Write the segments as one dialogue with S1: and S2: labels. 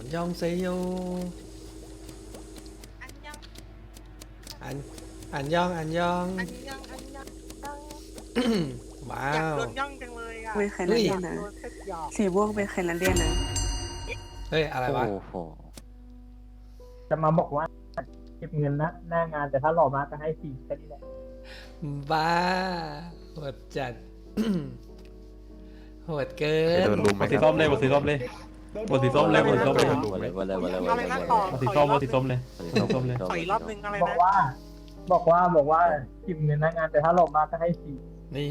S1: ยองเซโย
S2: อันยอง
S1: อันอันยองอันยอง
S2: อันยองอันยอง
S1: ว้า
S2: อยาก
S1: ว
S2: โดนย่องจังเลยอ่ะ
S3: เป็นแคนาเดียนนะ
S2: โดนเซ็ตหยอก
S3: สีม่วงเป็นแคนาเดียนนะ
S1: เฮ้ยอะไรวะ
S4: โอ้โห
S5: จะมาบอกว่าเก็บเงินนะหน้างานแต่ถ้าหล่อมากก็ให้4แค่นี้แหละ
S1: บ้าโหดจัด โหดเกิ
S4: จะ
S1: น
S4: โดนลุมไหม
S6: สี
S4: ค
S6: ส้
S4: รั
S6: มเลยบทสีส้มเลยบทสีส้มเลยบทสีส้มเลย
S4: วันเลยวันเลยวันเลยวัน
S2: อะไร
S4: เลย
S2: นะต่อบ
S6: ทสีส้มบทสีส้มเลยบทสีส้มเลย
S2: ขออีกรอบนึงอะไร
S5: บอก
S2: นะ
S5: ว่าเก็บเงินหน้างานแต่ถ้าหล่อมากก็ให้4
S1: นี่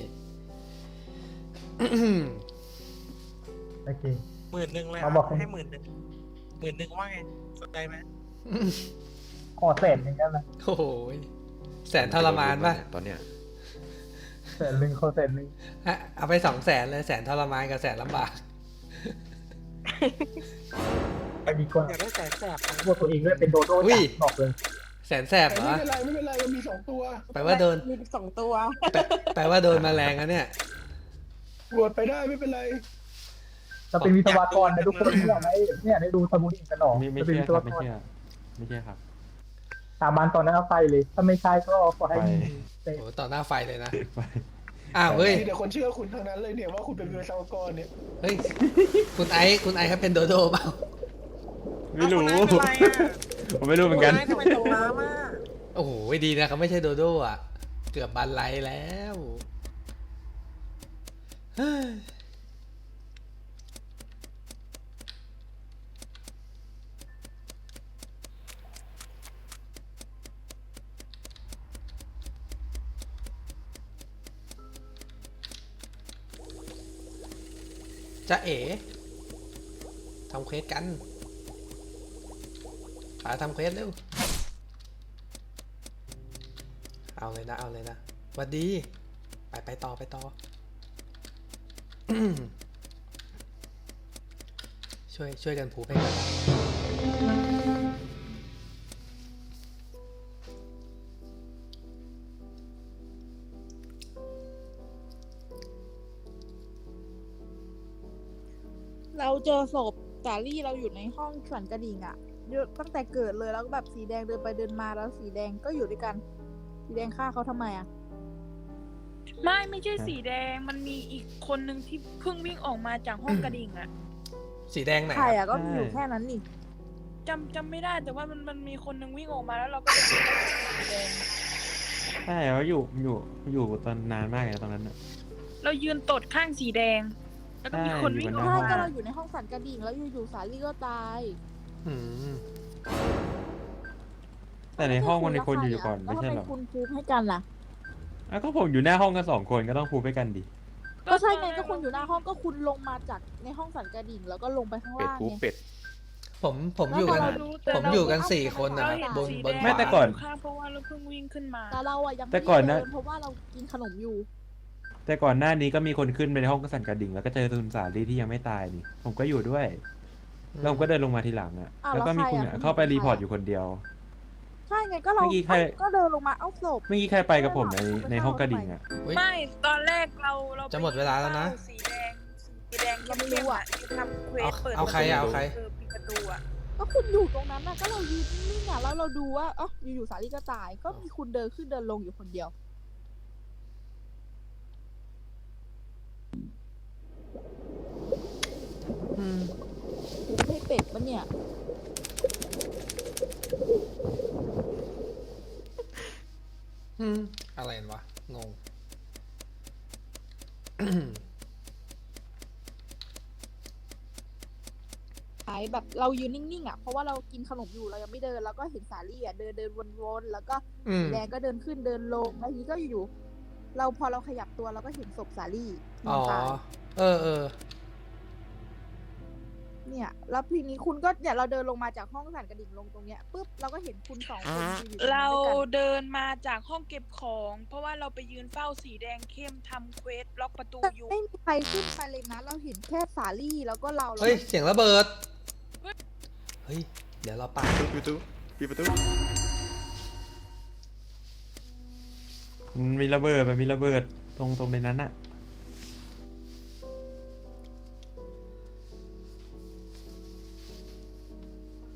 S5: โอเค
S2: 10,000เลย
S5: เขาบอก
S2: ให้10,000ว่าไงสนใจไหม
S5: ขอแสนหนึ่งได้ไหม
S1: โอ้โหแสนทรมานป่ะ
S4: ตอนเนี้ย
S5: แสนหนึ่งขอแสนหนึ่ง
S1: ฮะเอาไป200,000เลยแสนทรมานกับแสนลำบาก
S5: ไปดีกว่า
S2: อยากได้แสนแสบ
S5: พวกตัวเองด้วยเป็นโดโด้
S1: อุ้ย
S5: บอกเลย
S1: แสนแสบเหรอ
S7: ไม่เป็นไรไม่เป็นไรมันมี2 ตัว
S1: แปลว่าโดน
S2: มี2 ตัว
S1: แปลว่าโดนแมลงแล้วเนี่ย
S7: บวชไปได้ไม่เป็นไร
S5: เราเป็นวิศวกรนะทุกคนเนี่ยได้ดูสมุดอินกันหรอ
S6: ไม่
S5: จะเป็น
S6: เชื่อ
S5: วิศ
S6: คว รับ
S5: ก
S6: ไม่
S5: ร
S6: เชื่อไม่เชื่อครับ
S5: สาบานตอนนั้นเอาไปเลย ถ้าไม่ใช่ก็ขอให้
S6: ไป
S1: โอ้โหต่อหน้าไฟเลยนะ
S6: ไป
S1: อ้าวเฮ้ย
S7: มีแต่คนเชื่อคุณทั้งนั้นเลยเนี่ยว่าคุณเป็นวิศวกรเนี่ย
S1: เฮ้ย คุณไอซ์ครับเป็นโดโดเปล่า
S6: ไม่รู้
S2: เอาคนนั้นเป็นไรอ่ะ
S6: ผมไม่รู้เหมือนกัน
S2: ทำไมตกน้ำอ่ะ
S1: โอ้โหดีนะเขาไม่ใช่โดโดอ่ะ เกือบบันไลแล้วเฮ้ยจะเอ๋ทำเควสกันป๋าทำเควสเร็ว เอาเลยนะ เอาเลยนะหวัดดี ไปต่อ ช่วยกันผูไปกัน
S8: เราเจอศพสาลี่เราอยู่ในห้องสั่นกระดิ่งอะเยอะตั้งแต่เกิดเลยแล้วก็แบบสีแดงเดินไปเดินมาแล้วสีแดงก็อยู่ด้วยกัน สีแดงฆ่าเขาทำไมอะ
S9: ไม่ใช่สีแดงมันมีอีกคนนึงที่เพิ่งวิ่งออกมาจากห้องกระดิ่งอะ
S1: สีแดงไหน
S8: ใคร
S1: ครับ
S8: อะก็มีอยู่แค่นั้นนี่
S9: จำไม่ได้แต่ว่ามันมีคนนึงวิ่งออกมาแล้วเราก็เลยสีแดง
S6: ใช่เขาอยู่ตอนนานมากเลยนะตอนนั้นน่ะ
S9: เรายืนตดข้างสีแดง แล้วก็มีคนวิ่งออก
S8: ใช่
S9: มา
S8: ก็เราอยู่ในห้องสั่นกระดิ่งแล้วอยู่ๆสาลี่ก็ตาย
S1: อืม
S6: แต่ในห้องมันมีคนอยู่ก่อน
S8: แล้ว
S6: ไม่
S8: ทำ
S6: ใช่
S8: ไม
S6: หรอ
S8: คุณพูดให้กันล่ะ
S6: อ่ะก็ผมอยู่หน้าห้องกัน2 คนก็ต้องพูดไปกันดิ
S8: ก็ใช่ไงก็คุณอยู่หน้าห้องก็คุณลงมาจากในห้องสั่นกระดิ่งแล้วก็ลงไปข้าง
S4: เป็ด
S8: ล่าง
S4: กู
S8: ไง
S4: เป็ด
S1: ผมอยู่กัน
S8: แล้วพอเราดูแต่
S1: ผมอยู่กัน4 คนนะ
S9: เรา
S1: ครับ
S9: เห็น
S1: บน
S9: สี
S1: บ
S9: แด
S1: น
S9: ง
S1: ขวา
S6: แต่ก่อน
S9: ข้างเพราะว่าเราเพิ่งวิ่งขึ้นมา
S8: แต่เราอะยังไม่
S6: แต่ก่อนนะ
S8: เดิเพราะว่าเรากินขนมอยู่
S6: แต่ก่อนหน้านี้ก็มีคนขึ้นไปในห้องกระสันกระดิ่งแล้วก็เจอคุณสาลีที่ยังไม่ตายนี่ ผมก็อยู่ด้วยแล้วผมก็เดินลงมาทีหลังอ่ะ
S8: อ้าว
S6: แล้วก็มีคุณ
S8: แล้วใครอ่ะ
S6: เข้าไปรีพอร์ตอยู่คนเดียว
S8: ใช่ไงก็เรา
S6: เมื่อกี้ใคร
S8: ก็เดินลงมาเอาศพ
S6: เมื่อกี้ใครไปกับผมในห้องกระดิ่งอ่ะ
S1: เฮ้ย
S9: ไม่ตอนแรกเราไป
S1: จะหมดเวลาแล้วนะ
S9: สีแดงเข้มๆอะที่ทำเควสเปิด
S1: เอาใครอะเอาใคร
S9: ปิดประตูอะ
S8: ก็คุณอยู่ตรงนั้นน่ะก็เรายืนนิ่งๆอ่ะแล้วเราดูว่าอ๋ออยู่ๆสาลีก็ตาย ก็มีคุณเดินขึ้นเดินลงอยู่คนเดียว
S1: อืม
S8: คุณให้เป็ดปะเนี่ย
S1: อะไรกันวะ งง
S8: แบบเรายืนนิ่งๆอ่ะเพราะว่าเรากินขนมอยู่เรายังไม่เดินแล้วก็เห็นสาลี่อ่ะเดินวนๆแล้วก็
S1: อืม
S8: แดงก็เดินขึ้นเดินลงแล้วทีนี้ก็อยู่ๆเราพอเราขยับตัวเราก็เห็นศพสาลี่น
S1: อ๋
S8: อ
S1: อ
S8: นตาย
S1: เออ
S8: เนี่ยแล้วทีนี้คุณก็เนี่ยเราเดินลงมาจากห้องสั่นกระดิ่งลงตรงเนี้ยปุ๊บเราก็เห็นคุณ2 คนยืนอยู่ตรงนั้น
S9: เรา
S8: ด้วยกัน
S9: เดินมาจากห้องเก็บของ เพราะว่าเราไปยืนเฝ้าสีแดงเข้มทำเควสล็อกประตูอยู่
S8: ไม่มีใครขึ้นไปเลยนะเราเห็นแค่สาลี่แล้วก็เรา
S1: เฮ้ย เสียงระเบิด เฮ้ย เดี๋ยวเราปา
S4: ปิดประตู
S6: มันมีระเบิดตรงในนั้นอ่ะ
S1: อ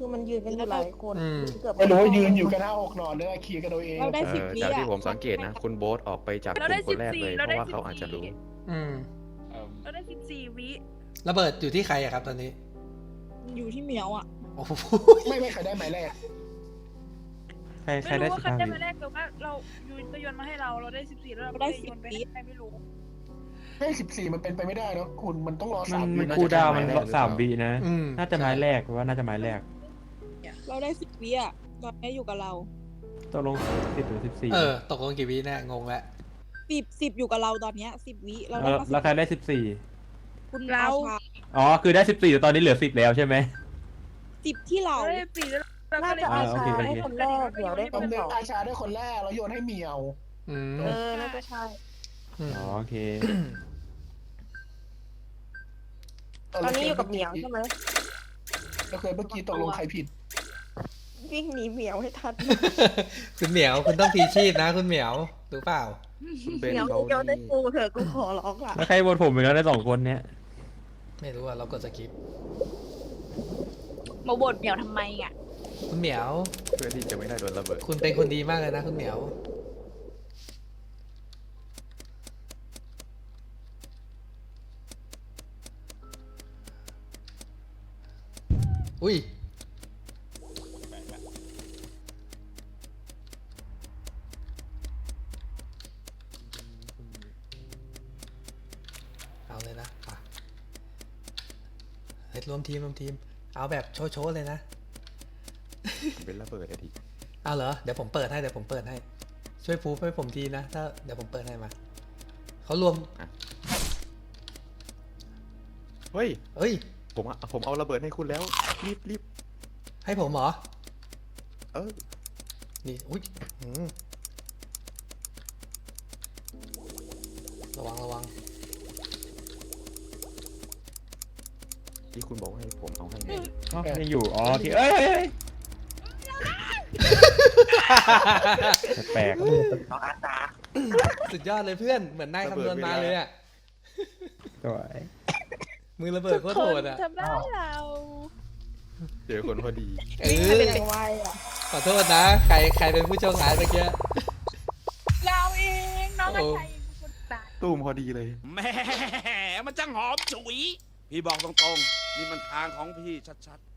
S2: คือมันยืนกันอยู่หลายคน
S1: อืม
S2: เกือบ
S7: ไม่รู้ว่ายืนอยู่กัน5-6นอนเนี่ยเคลียร์กันโดยเอง
S8: เราได้ 10 วิ
S4: จาก
S8: อ่ะ
S4: ที่ผมสังเกตนะ คุณโบ๊ทออกไปจากกลุ่มคนแรกเลย เพราะว่าเขาอาจจะรู้
S1: อืม
S9: เราได้14 วิ
S1: ระเบิดอยู่ที่ใครอะครับตอนนี้
S8: อยู่ที่เหมียวอ่ะ
S1: โอ้โห
S7: ไม่ใครได้หมายแรก
S6: ใคร
S9: ไม่
S6: ได้
S9: รู้ว่าใคร
S6: 15
S9: ได้
S6: วิ
S9: มาแรกแต่ว่าเรายูนก็โยนมาให้เราได้14แล้วเรา
S8: เราได้
S9: โยนไป
S8: 10 วิ
S9: ให้ใครไม่รู้
S7: ให้14มันเป็นไปไม่ได้เนอะคุณมันต้องรอ
S6: มัน
S7: 3 วิ
S6: มัน
S7: นะ
S6: คูลดาวน์มัน
S4: น่าจะ
S6: 3 วินะ
S1: อืม
S6: น่าจะไม้แรกว่าน่าจะไม้แรก
S8: เราได้ 10 วิอ่ะตอนนี้อยู่กับเรา
S6: ตกลง10หรือ14
S1: เออ ตกลงกี่วิแน่งงแล้ว
S8: 10อยู่กับเราตอนเนี้ย10 วิเราได้
S6: แล้วใครได้
S8: คุณ
S9: เรา
S8: อาชา
S6: 14อ๋อคือได้14แต่ตอนนี้เหลือ10แล้วใช่ไหม
S8: 10ที่เรา
S9: เราได้14แล้วเรา
S2: น่า
S9: ก็เลย
S2: จะอา
S6: โอ
S2: ชา
S6: เคโอเค
S2: ได้คนแรกเดี๋ยวได้ค
S7: ตอน
S2: น
S7: นี้
S2: สอง
S7: อาชาได้คนแรกแล้วโยนให้เหมียว
S1: อืม
S2: น่าจะใช่
S1: ม
S6: อ๋อโอเค
S2: ตอนนี้อยู่กับเหมียวใช่ไหม
S7: แล้วเคยเมื่อกี้ตกลงใครผิด
S2: วิ่งหนีเหมียวให้ทัน
S1: คุณเหมียวคุณต้องพีชีพนะ คุณเหมียวรู้เปล่า
S4: คุณเบน
S2: เหมียว
S4: เขา
S2: โยนได้กูเถอะกูขอร้องละ
S6: แล้วใครโหวตผมไปแล้วได้2 คนเนี้ย
S1: ไม่รู้อะเรากดสกิป
S9: มาบ่นเหมียวทำไมอ่ะ
S1: คุณเหมียว
S4: เพื่อที่จะไม่ได้โดนระเบิด
S1: คุณเป็นคนดีมากเลยนะคุณเหมียว อุ้ย เอาเลยนะป่ะเฮ้ยรวมทีม เอาแบบโชว์ๆเลยนะ
S4: เป็นระเบิดอะที
S1: เอาเหรอ เดี๋ยวผมเปิดให้ ช่วยพูฟให้ผมทีนะ ถ้าเดี๋ยวผมเปิดให้มา เขารวม
S4: เฮ้ย
S1: เอ้ย
S4: ผมเอาระเบิดให้คุณแล้ว รีบ
S1: ให้ผมเหรอ
S4: เออ
S1: นี่ อุ้ยระวัง
S4: ที่คุณบอกให้ผมเอาให้ไง
S6: อ๋อยังอยู่อ๋อโอเคเอ้ยแปลก
S2: ของอาชา
S1: สุดยอดเลยเพื่อน เหมือนนายคำนวณมาเลยอะ
S6: ๆสวย
S1: มือระเบิดโคตรโหดอะ
S9: ทำร้ายเรา
S4: เจอคนพอดี
S2: วิ่งมาเป็นอย่างไวอ่ะ
S1: ขอโทษนะ ใครเป็นผู้โชคร้ายเมื่อกี้
S9: เราเองน้องอาชัยเป็นคนตาย
S4: ตูมพอดีเลย
S3: แหมมันจังหอมฉุย พี่บอกตรงๆ นี่มันทางของพี่ชัดๆ